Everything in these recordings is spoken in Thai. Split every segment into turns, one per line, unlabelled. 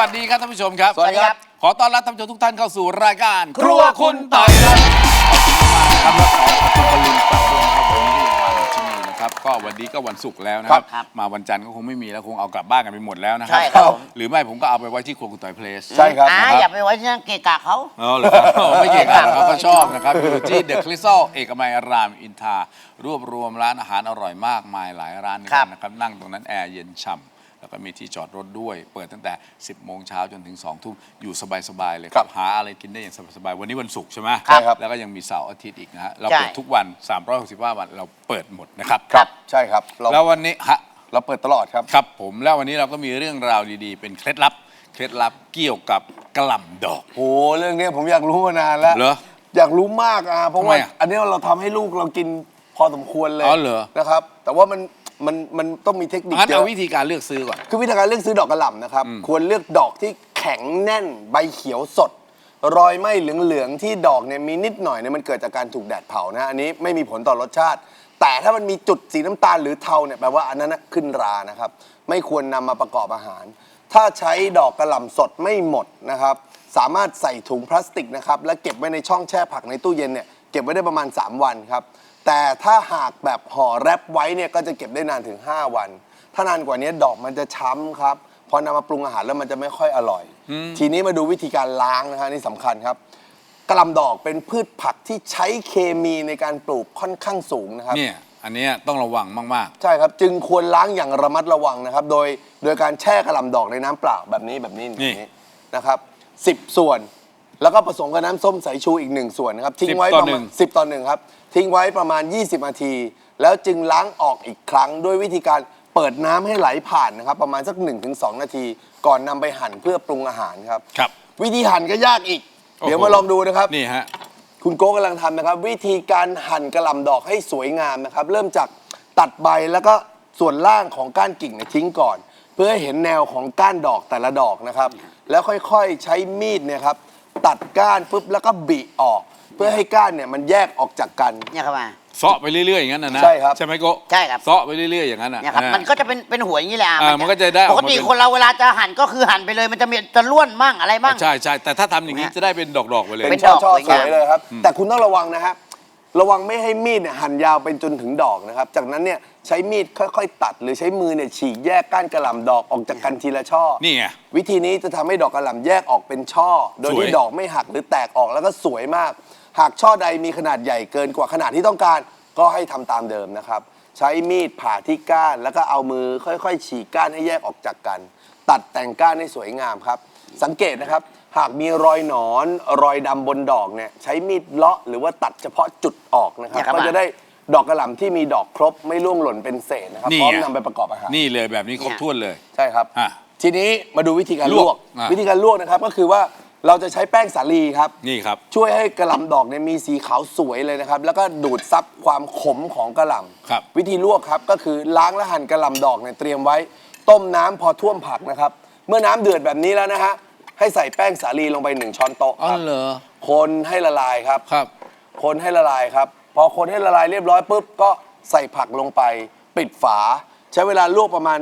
วัสดีครับท่านผู้ชมครับ
สวัสดีครับ
ขอต้อนรับท่านผู้ชมทุกท่านเข้าสู่รายการครัวคุณต่อยครับขอบคุณมากครับและขอบคุณบอลลูนครับวันนี้วันที่นี่นะครับก็วันนี้ก็วันศุกร์แล้วนะครับมาวันจันทร์ก็คงไม่มีแล้วคงเอากลับบ้านกันไปหมดแล้วนะครับหรือไม่ผมก็เอาไปไว้ที่ครัวคุณต่อยเพลส
ใช่ครับอย่าไปไว้ที่นั่นเกะกะเขา
เหรอไม่เกะกะเขาก็ชอบนะครับอยู่ที่เดอะคริสตัลเอกมัยรามอินทรารวบรวมร้านอาหารอร่อยมากมายหลายร้านนะครับนั่งตรงนั้นแอร์เย็นฉ่ำแล้วก็มีที่จอดรถด้วยเปิดตั้งแต่ 10 โมงเช้าจนถึง 2 ทุ่มอยู่สบายๆเลยครับหาอะไรกินได้อย่างสบายๆวันนี้วันศุกร์ใช่ไหมครับแล้วก็ยังมีเสาร์อาทิตย์อีกนะฮะเราเปิดทุกวัน365วันเราเปิดหมดนะครับ
ครับใช่ครับ
แล้ววันนี้
เราเปิดตลอดครับ
ครับผมแล้ววันนี้เราก็มีเรื่องราวดีๆเป็นเคล็ดลับเกี่ยวกับกะหล่ำดอก
โอ้เรื่องนี้ผมอยากรู้มานานแล้ว
เหรอ
อยากรู้มากเพราะว่าอันนี้เราทำให้ลูกเรากินพอสมควรเลยนะครับแต่ว่ามันต้องมีเทคนิค
เยอะเอาวิธีการเลือกซื้อก่อน
คือวิธีการเลือกซื้อดอกกระหล่ำนะครับควรเลือกดอกที่แข็งแน่นใบเขียวสดรอยไหม้เหลืองๆที่ดอกเนี่ยมีนิดหน่อยเนี่ยมันเกิดจากการถูกแดดเผานะอันนี้ไม่มีผลต่อรสชาติแต่ถ้ามันมีจุดสีน้ำตาลหรือเทาเนี่ยแปลว่าอันนั้นขึ้นรานะครับไม่ควรนำมาประกอบอาหารถ้าใช้ดอกกระหล่ำสดไม่หมดนะครับสามารถใส่ถุงพลาสติกนะครับแล้วเก็บไว้ในช่องแช่ผักในตู้เย็นเนี่ยเก็บไว้ได้ประมาณ3 วันครับแต่ถ้าหากแบบห่อแรปไว้เนี่ยก็จะเก็บได้นานถึง5 วันถ้านานกว่านี้ดอกมันจะช้ำครับพอนำมาปรุงอาหารแล้วมันจะไม่ค่อยอร่อยทีนี้มาดูวิธีการล้างนะฮะนี่สำคัญครับกะหล่ำดอกเป็นพืชผักที่ใช้เคมีในการปลูกค่อนข้างสูงนะครับ
เนี่ยอันนี้ต้องระวังมาก
ๆใช่ครับจึงควรล้างอย่างระมัดระวังนะครับโดยการแช่กะหล่ำดอกในน้ำเปล่าแบบนี้นะครับ10 ส่วนแล้วก็ผสมกับน้ำส้มสายชูอีก1 ส่วนนะครับทิ้งไว้ประมาณ10:1ครับทิ้งไว้ประมาณ20 นาทีแล้วจึงล้างออกอีกครั้งด้วยวิธีการเปิดน้ำให้ไหลผ่านนะครับประมาณสัก 1-2 นาทีก่อนนำไปหั่นเพื่อปรุงอาหารครับวิธีหั่นก็ยากอีกเดี๋ยวมาลองดูนะครับ
นี่ฮะ
คุณโก้กำลังทำนะครับวิธีการหั่นกะหล่ำดอกให้สวยงามนะครับเริ่มจากตัดใบแล้วก็ส่วนล่างของก้านกิ่งทิ้งก่อนเพื่อให้เห็นแนวของก้านดอกแต่ละดอกนะครับแล้วค่อยๆใช้มีดเนี่ยครับตัดก้านปุ๊บแล้วก็บิออกเพื่อให้ก้านเนี่ยมันแยกออกจากกัน
เนี่ยครับมา
เซาะไปเรื่อยๆอย่างนั้นนะ
ใช่ครับ
ใช่ไหมโก้
ใช่ครับ
เซาะไปเรื่อยๆอย่างนั้น
เนี่ยครับมันก็จะเป็นหัวอย่างนี้แหละ
มันก็จะได้
ปกติคนเราเวลาจะหั่นก็คือหั่นไปเลยมันจะล้วนมั่งอะไรมั่ง
ใช่แต่ถ้าทำอย่างนี้จะได้เป็นดอกๆไปเลย
เป็นช่อสวยเลยครับแต่คุณต้องระวังนะครับระวังไม่ให้มีดเนี่ยหั่นยาวไปจนถึงดอกนะครับจากนั้นเนี่ยใช้มีดค่อยๆตัดหรือใช้มือเนี่ยฉีกแยกก้านกระหล่ำดอกออกจากกันทีละช่อ
นี่ไง
วิธีนี้จะทำให้ดอกกระหล่ำแยกออกเป็นช่อโดยที่ดอกไม่หักหรือแตกออกแล้วก็สวยมากหากช่อใดมีขนาดใหญ่เกินกว่าขนาดที่ต้องการก็ให้ทำตามเดิมนะครับใช้มีดผ่าที่ก้านแล้วก็เอามือค่อยๆฉีกก้านให้แยกออกจากกันตัดแต่งก้านให้สวยงามครับสังเกตนะครับหากมีรอยหนอนรอยดำบนดอกเนี่ยใช้มีดเลาะหรือว่าตัดเฉพาะจุดออกนะครับก็จะได้ดอกกระหล่ำที่มีดอกครบไม่ร่วงหล่นเป็นเศษนะครับพร้อมนำไปประกอบอาหาร
นี่เลยแบบนี้ครบถ้วนเลย
ใช่ครับทีนี้มาดูวิธีการลวกวิธีการลวกนะครับก็คือว่าเราจะใช้แป้งสาลีครับ
นี่ครับ
ช่วยให้กระหล่ำดอกเนี่ยมีสีขาวสวยเลยนะครับแล้วก็ดูดซับความขมของกระหล่ำวิธีลวกครับก็คือล้างและหั่นกระหล่ำดอกเนี่ยเตรียมไว้ต้มน้ำพอท่วมผักนะครับเมื่อน้ำเดือดแบบนี้แล้วนะฮะให้ใส่แป้งสาลีลงไป1 ช้อนโต๊ะครับคนให้ละลายครับคนให้ละลายครับพอคนให้ละลายเรียบร้อยปุ๊บก็ใส่ผักลงไปปิดฝาใช้เวลาลวกประมาณ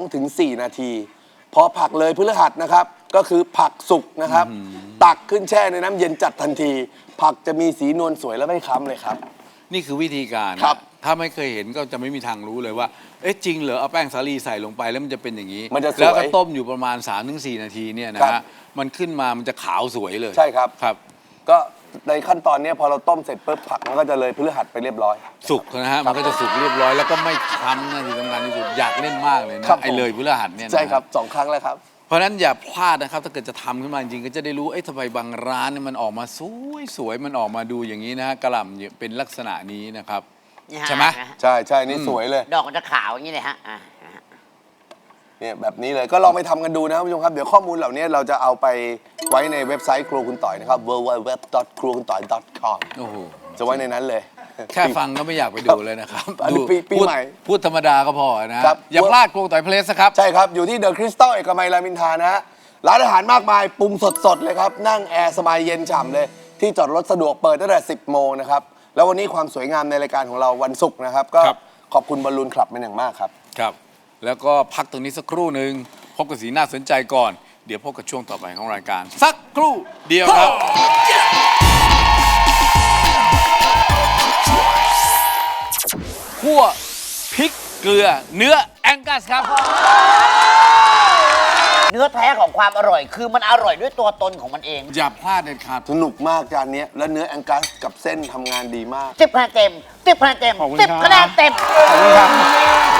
2-4 นาทีพอผักเลยพฤหัสนะครับก็คือผักสุกนะครับตักขึ้นแช่ในน้ำเย็นจัดทันทีผักจะมีสีนวลสวยและไม่ค้ำเลยครับ
นี่คือวิธีการถ้าไม่เคยเห็นก็จะไม่มีทางรู้เลยว่าเอ๊ะจริงเหรอเอาแป้งสาลีใส่ลงไปแล้วมันจะเป็นอย่างนี้แล้วก็ต้มอยู่ประมาณ 3-4 นาทีเนี่ยนะฮะมันขึ้นมามันจะขาวสวยเลย
ใช่ครับก็ในขั้นตอนนี้พอเราต้มเสร็จปุ๊บผักมันก็จะเลยพฤหัสไปเรียบร้อย
สุกนะฮะมันก็จะสุกเรียบร้อยแล้วก็ไม่ค้ำนะที่สำคัญที่สุดอยากเล่นมากเลยนะไอ้เลยพฤหัสเนี่ย
ใช่ครับ2 ครั้งแล้วครับ
เพราะฉะนั้นอย่าพลาดนะครับถ้าเกิดจะทำขึ้นมาจริงก็จะได้รู้ทำไมบางร้านเนี่ยมันออกมาสวยมันออกมาดูอย่างนี้นะฮะกระหล่ำเป็นลักษณะนี้นะครับใช่ไหม
ใช่นี่สวยเลย
ดอกมันจะขาวอย่างนี้เลยฮะ
เนี่ยแบบนี้เลยก็ลองไปทำกันดูนะครับผู้ชมครับเดี๋ยวข้อมูลเหล่านี้เราจะเอาไปไว้ในเว็บไซต์ครัวคุณต่อยนะครับ www.cruakuntoy.com จะไว้ในนั้นเลย
แค่ฟังก็ไม่อยากไปดูเลยนะครับ
ปีใหม่
พูดธรรมดาก็พอนะอย่าพลาดครัวคุณต่อยเพลสครับ
ใช่ครับอยู่ที่เดอะคริสตัลเอกมัยรามอินทรานะฮะร้านอาหารมากมายปรุงสดๆเลยครับนั่งแอร์สบายเย็นฉ่ำเลยที่จอดรถสะดวกเปิดตั้งแต่10 โมงนะครับแล้ววันนี้ความสวยงามในรายการของเราวันศุกร์นะครับก็ขอบคุณบอลลูนคลับเป็นอย่างมากครับ
แล้วก็พักตรงนี้สักครู่หนึ่งพบกับสีน่าสนใจก่อนเดี๋ยวพบกับช่วงต่อไปของรายการ สักครู่เดียวครับคั่วพริกเกลือเนื้อแองกัสครับ
เนื้อแท้ของความอร่อย คือมันอร่อยด้วยตัวตนของมันเอง
อย่าพลาดเด็ดขาด
สนุกมากจานนี้และเนื้อแองกัสกับเส้นทำงานดีมาก
10 คะแนนเต็ม 10 คะแนนเต็ม
ขอบคุณ
10 คะแนนเต็ม
ขอบคุณครับ